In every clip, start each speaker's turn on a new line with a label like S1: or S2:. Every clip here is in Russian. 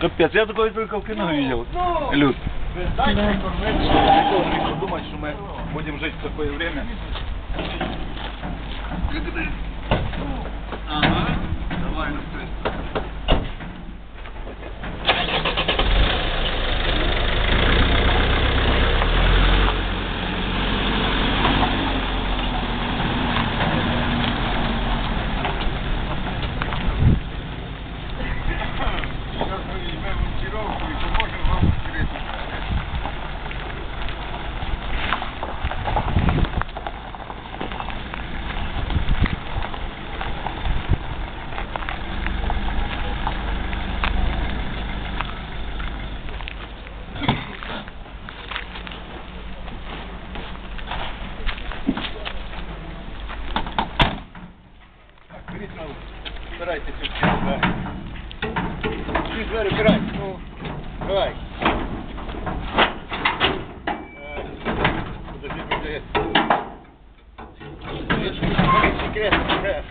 S1: Капец, я такой только в кино видел. Люд.
S2: Да.
S1: Никто не мог думать, что мы будем жить в такое время. Ага. Давай, Убирайте все двери. Все двери убирайте. Ну, давай. Подожди, подожди. Секретно.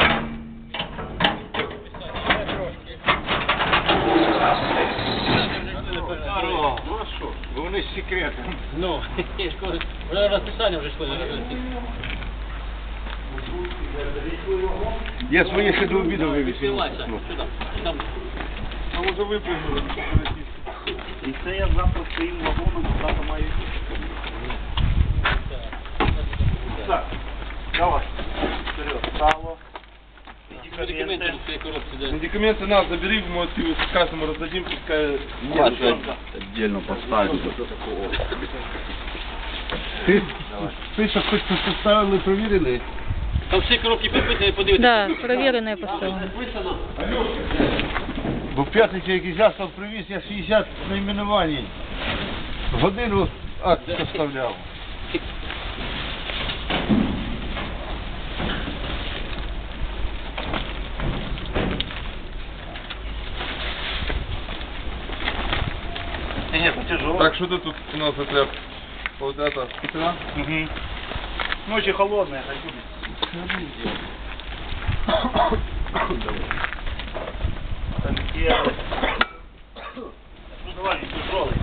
S1: Ну а що? Бо вони з секретом.
S3: Ну, вже розписання вже йшли.
S1: Я своє ще до обіду вивісив. А може випрыгнули?
S4: І це я завтра своїм вагоном завтра маю йти.
S1: Так, давай. Вперед, сало.
S3: Медикаменти в цій коробці, да.
S1: Медикаменты нас забери, мы каждому раздадим, пускай...
S2: Нет,
S4: Отдельно поставлю.
S1: Ти що хоч поставили, провірили?
S3: Там всі коробки підписані, подивитися.
S2: Да, проверенное поставлено.
S3: Підписано.
S1: Бо в п'ятницю якийсь засоб привіз, я 60 найменувань. Годину акт составляв.
S4: Нет, тяжело.
S1: Так, что ты тут у нас это, вот это, петра?
S4: Угу. Ночи холодные, хочу. Ну давай, тяжелый.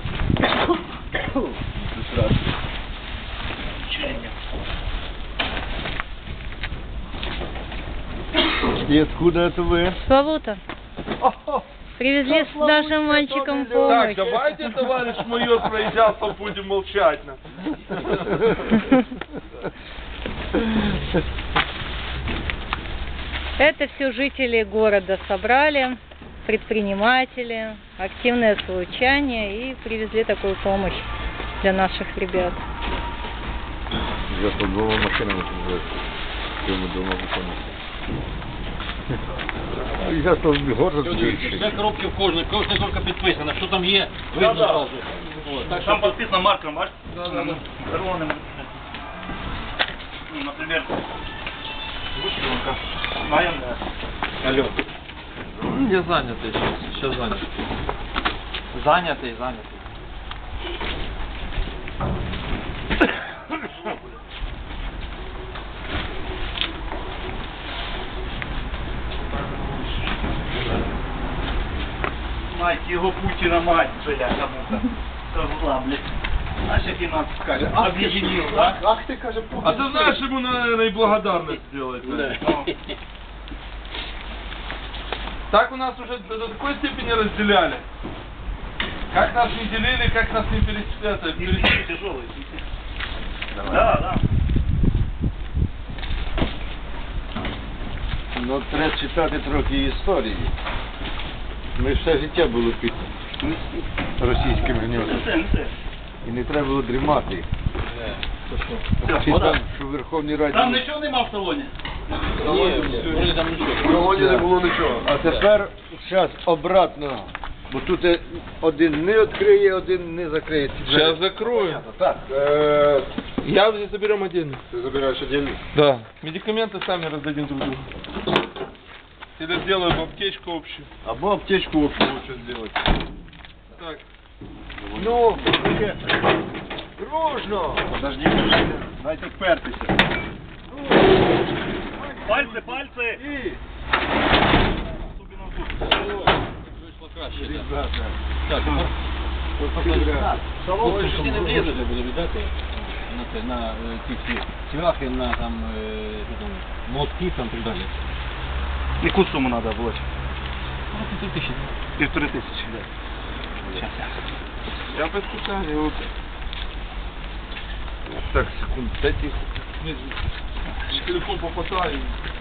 S1: И откуда это вы?
S2: Славута. Привезли с нашим мальчиком помощь.
S1: Так, давайте, товарищ майор, проезжаться будем молчать.
S2: Это все жители города собрали, предприниматели, активное случайное и привезли такую помощь для наших ребят.
S5: Я тут двома машинами приезжаю. Дома виконувати. Я тут город більший.
S3: Все коробки в кожній коробка підписана, що там є,
S4: Да,
S3: видно
S4: да.
S3: зразу. О, так
S4: Там
S3: що
S4: подписано маркером, бачишь?
S3: Да, да, да.
S4: Коронным. Ну, например, вышивка. Знаем, да.
S1: Алло.
S6: Я занятый сейчас занят. Занятый.
S4: Мать его Путина, мать, бля, кому-то. Козла, блядь. Знаешь, как нас скажет? Объединил, да?
S1: Ах ты, каже, Путин. А ты знаешь, ему, наверное, и благодарность сделать.
S3: Да.
S1: Так у нас уже до такой степени разделяли. Как нас не делили, как нас не перечисляли.
S4: Тяжелый. Да, да.
S1: Ну, треба читати трохи історії. Ми все життя були під російським гньотом. І не треба було дрімати. Читав, що в Верховній Раді...
S4: Там нічого нема в салоні?
S3: Ні, там нічого.
S1: В салоні не було нічого. А тепер зараз обратно. Бо тут один не відкриє, один не закриє.
S5: Сейчас закрою.
S1: Так.
S5: Я заберем отдельно.
S1: Ты забираешь отдельно?
S5: Да. Медикаменты сами раздадим друг другу. Или сделаем аптечку общую.
S1: Або аптечку общую лучше сделать.
S5: Так.
S1: Ну, дружно! Подожди, дайте впертися.
S4: Пальцы, пальцы!
S1: І...
S3: Вийшло краще. ще. Так.
S1: Ребята.
S3: Так,
S1: Ребята.
S3: Хлопці, що не влізете, буде віддати на ці всі цвяхи, на там, що там, молотки там, так далі.
S4: Яку суму треба було?
S3: 3000.
S4: 1500. Сейчас я.
S5: Я по специально вот. Так, секунд 5 их. Телефон попадаю.